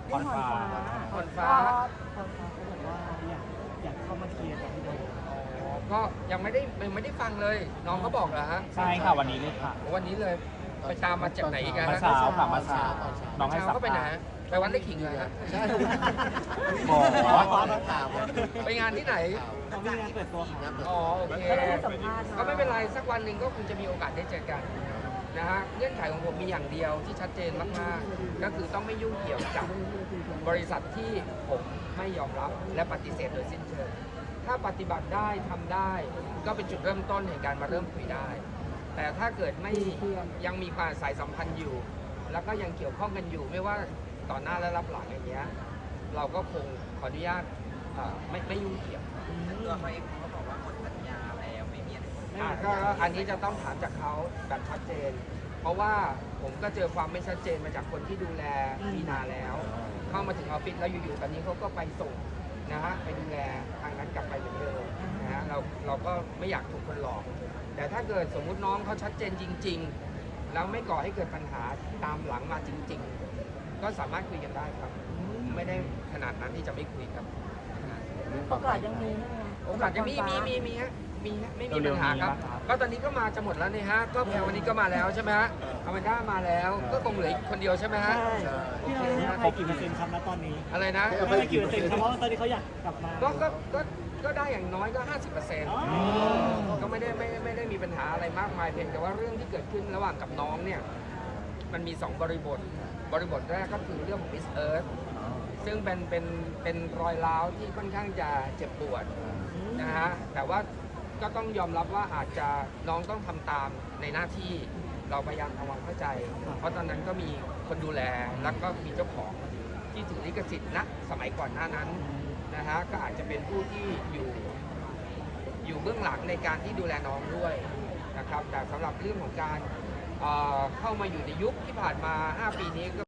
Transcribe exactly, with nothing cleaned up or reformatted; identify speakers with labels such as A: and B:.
A: พรฟ้า
B: พรฟ้า
A: พรฟ้าเขาบอกว่าอยากอยากเข้ามาเคลียร์กับพี่โดม
B: อ๋อก็ยังไม่ได้ยังไม่ได้ฟังเลยน้องเขาบอกเหรอฮะ
C: ใช่ค่ะวันนี้เลยค่ะ
B: วันนี้เลยไปตามมาจากไหนอีกอะ
C: เมื่อ
B: ฮะ
C: เช้าค่ะเมื่อเช้าน้องให้
B: เช้า
C: สัม
B: ก็ไปไหน
C: ภาษ
B: ฮะ
C: ณ์
B: ไปวัดไร่ขิงเลยฮะ
D: ใช่
C: บอก
B: ไปงานที่ไหน
A: เขามีงานเปิดตัวค่ะ
B: อ๋อโอเค
E: ก็ได้ให้สัมภาษณ์
B: ก็ไม่เป็นไรสักวันหนึ่งก็คงจะมีโอกาสได้เจอกันนะฮะเงื่อนไขของผมมีอย่างเดียวที่ชัดเจนมากๆก็คือต้องไม่ยุ่งเกี่ยวกับบริษัทที่ผมไม่ยอมรับและปฏิเสธโดยสิ้นเชิงถ้าปฏิบัติได้ทำได้ก็เป็นจุดเริ่มต้นแห่งการมาเริ่มคุยได้ แต่ถ้าเกิดไม่ยังมีความสายสัมพันธ์อยู่ แล้วก็ยังเกี่ยวข้องกันอยู่ไม่ว่าต่อหน้าและรับหลังอย่างเงี้ยเราก็คงขออนุญาตเอ่อไม่ไม่ยุ่งเกี่ยว
F: ตัวเขาเองเขาบอกว่าหมดสัญญาแล้วไม่มีอะไร
B: อ่ะก็อันนี้จะต้องถามจากเขาแบบชัดเจน เพราะว่าผมก็เจอความไม่ชัดเจนมาจากคนที่ดูแลมีนาแล้ว เข้ามาถึงออฟฟิศแล้วอยู่ๆตอนนี้เขาก็ไปส่งนะฮะไปดูแลทางนั้นกลับไปเหมือนเดิมนะฮะเราเราก็ไม่อยากถูกคนหลอก แต่ถ้าเกิดสมมุติน้องเขาชัดเจนจริง ๆ แล้วไม่ก่อให้เกิดปัญหาตามหลังมาจริง ๆ ก็สามารถคุยกันได้ครับ ไม่ได้ขนาดนั้นที่จะไม่คุยครับ
E: โอกาสยังมีใช่ไหม
B: โอกาสจะมีมีมีมีฮะมีฮะไม่มีปัญหาครับ ก็ตอนนี้ก็มาจะหมดแล้วนี่ฮะก็แพรวันนี้ก็มาแล้วใช่ไหมฮะอแมนด้ามาแล้ว ก็คงเหลืออีกคนเดียวใช่ไหมฮะ
A: ใช่พี่โดมให้อภัยกี่เปอร์เซ็นต์ครับณตอนนี้
B: อะไรนะ
A: ให้อภัยกี่เปอร์เซ็นต์ครับเพราะว่าตอนนี้เขาอยากกลับมา
B: ก็ก็ก็ก็ได้อย่างน้อยก็ ห้าสิบเปอร์เซ็นต์
A: อ๋อ
B: ก็ไม่ได้ไม่ไม่ได้มีปัญหาอะไรมากมายเพียงแต่ว่าเรื่องที่เกิดขึ้นระหว่างกับน้องเนี่ยมันมีสองบริบท บริบทแรกก็คือเรื่องของ Miss Earth ซึ่งเป็นเป็นเป็นรอยร้าวที่ค่อนข้างจะเจ็บปวดนะฮะแต่ว่าก็ต้องยอมรับว่าอาจจะน้องต้องทำตามในหน้าที่เราพยายามทำความเข้าใจ เพราะตอนนั้นก็มีคนดูแลแล้วก็มีเจ้าของที่ถือลิขสิทธิ์ณสมัยก่อนหน้านั้นนะฮะก็อาจจะเป็นผู้ที่อยู่อยู่เบื้องหลังในการที่ดูแลน้องด้วยนะครับแต่สำหรับเรื่องของการเอ่อเข้ามาอยู่ในยุคที่ผ่านมา ห้า ปีนี้ก็